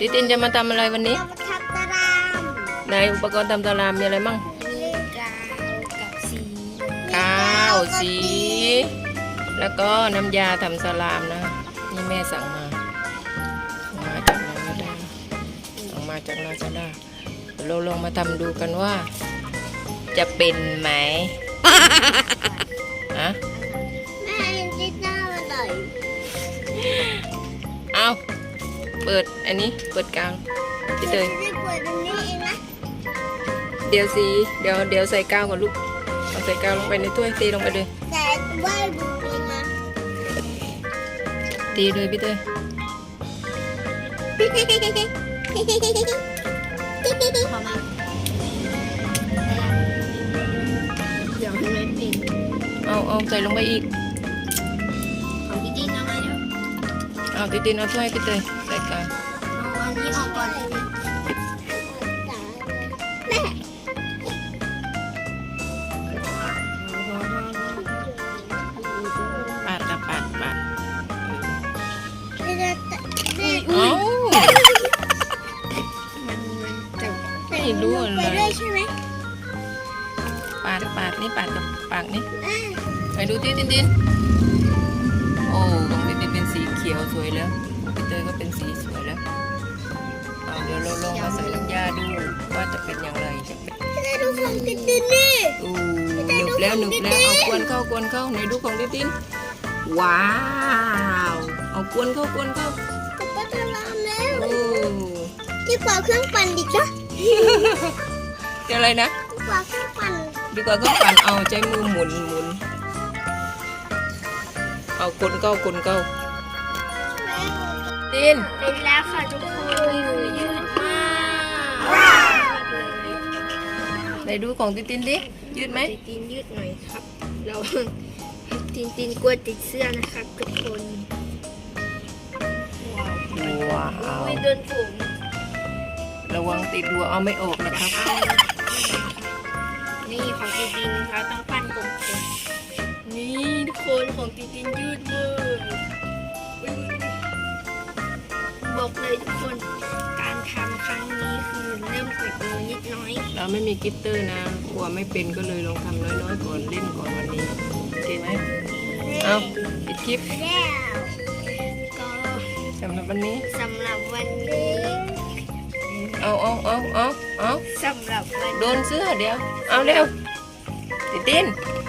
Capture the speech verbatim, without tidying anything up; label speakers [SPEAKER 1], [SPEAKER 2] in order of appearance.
[SPEAKER 1] ติตินจะมาทำอะไรวันนี้
[SPEAKER 2] เรามาทำตาราง
[SPEAKER 1] ในอุปกรณ์ทำตารางมีอะไรมั่ง
[SPEAKER 2] มีกาวกับสี
[SPEAKER 1] ข้าวสี แล้วก็น้ำยาทำสลามนะนี่แม่สั่งมาสั่งมาจากลาซาด้าสั่งมาจากลาซาด้าเราลองมาทำดูกันว่า จะเป็นไหมฮะ
[SPEAKER 2] แม่ยังติดหน้ามาหน่อย
[SPEAKER 1] เอาเปิดอันนี้เปิดกลางพี่เตย
[SPEAKER 2] จะได้เปิดตรงนี้เองนะ
[SPEAKER 1] เดี๋ยวสีเดี๋ยวเดี๋ยวใส่กาวก่อนลูกเอาใส่กาวลงไปในถ้วยตีลงไปเลย
[SPEAKER 2] แต่ว่าดูเลยนะ
[SPEAKER 1] ตีเลยพี่เตย
[SPEAKER 2] พอมาเดี๋ยวให้มันเป็น
[SPEAKER 1] เอาเอาใส่ลงไปอีก
[SPEAKER 2] ของพี่ดิ้นเอามาเดี๋ยว
[SPEAKER 1] เอาตีตีนเอาถ้วยพี่เตยใส่กาว
[SPEAKER 2] เอาอันนี้ออกก่อนเลยแม่
[SPEAKER 1] ปาดกับปาดปาด
[SPEAKER 2] ไม่ได้แต่ไม่
[SPEAKER 1] เอ้า
[SPEAKER 2] มันมันจะ
[SPEAKER 1] ไม่รู้อะไร
[SPEAKER 2] ไปด้วยใช่ไหม
[SPEAKER 1] ปาดปาดนี่ปาดกับปากนี่
[SPEAKER 2] อ่า
[SPEAKER 1] ไปดูที่ตินตินโอ้ของตินตินเป็นสีเขียวสวยแล้วพี่เตยก็เป็นสีสวยแล้วเอาเดี๋ยวเราลองมาใส่น้ำยาดูว่าจะเป็นอย่างไรจะเป็น
[SPEAKER 2] ไม่ได้ดูของติดดินนี่
[SPEAKER 1] อู้หนึบแล้วหนึบแล้วเอากวนเข้ากวนเข้าไหนดูของตินตินว้าวเอากวนเข้ากวนเข้า
[SPEAKER 2] กับปลาทารามแล้ว
[SPEAKER 1] โอ้
[SPEAKER 2] ที่กว่าเครื่องปั่นดิจ้ะ
[SPEAKER 1] เดี๋ยวอะไรนะ
[SPEAKER 2] ที่กว่าเครื่องปั่น
[SPEAKER 1] ดีกว่าก็ปั่นเอาใจมือหมุนหมุนเอากวนเข้ากวนเข้าติน
[SPEAKER 2] เป็นแล้วค่ะทุกคนยืดมาก
[SPEAKER 1] ไหนดูของตินตินดิยืดไหม
[SPEAKER 2] ตีนยืดหน่อยครับ เราตีนตีนกลัวติดเสื้อนะครับทุกคน
[SPEAKER 1] ว้าว
[SPEAKER 2] ไม่เดินฝูง
[SPEAKER 1] ระวังติดดัวเอาไม่ออกนะครับ
[SPEAKER 2] นี่ของตีนตีนเขาต้องปั้นกลมๆนี่ทุกคนของตีนตีนยืดเลยบอกเลยทุกคนการทำครั้งนี้คือเริ่มติดมือนิดน้อย
[SPEAKER 1] เราไม่มีกลิตเตอร์นะกลัวไม่เป็นก็เลยลองทำน้อยๆก่อนเล่นก่อนวันนี้โอเคไหมเอาปิดคลิป
[SPEAKER 2] แล้วก็
[SPEAKER 1] สำหรับวันนี้
[SPEAKER 2] สำหรับวันนี้
[SPEAKER 1] เอาเอาเอาเอาเอา
[SPEAKER 2] สำหรับวัน
[SPEAKER 1] โดนเสื้อเดี๋ยวเอาเร็วติดติน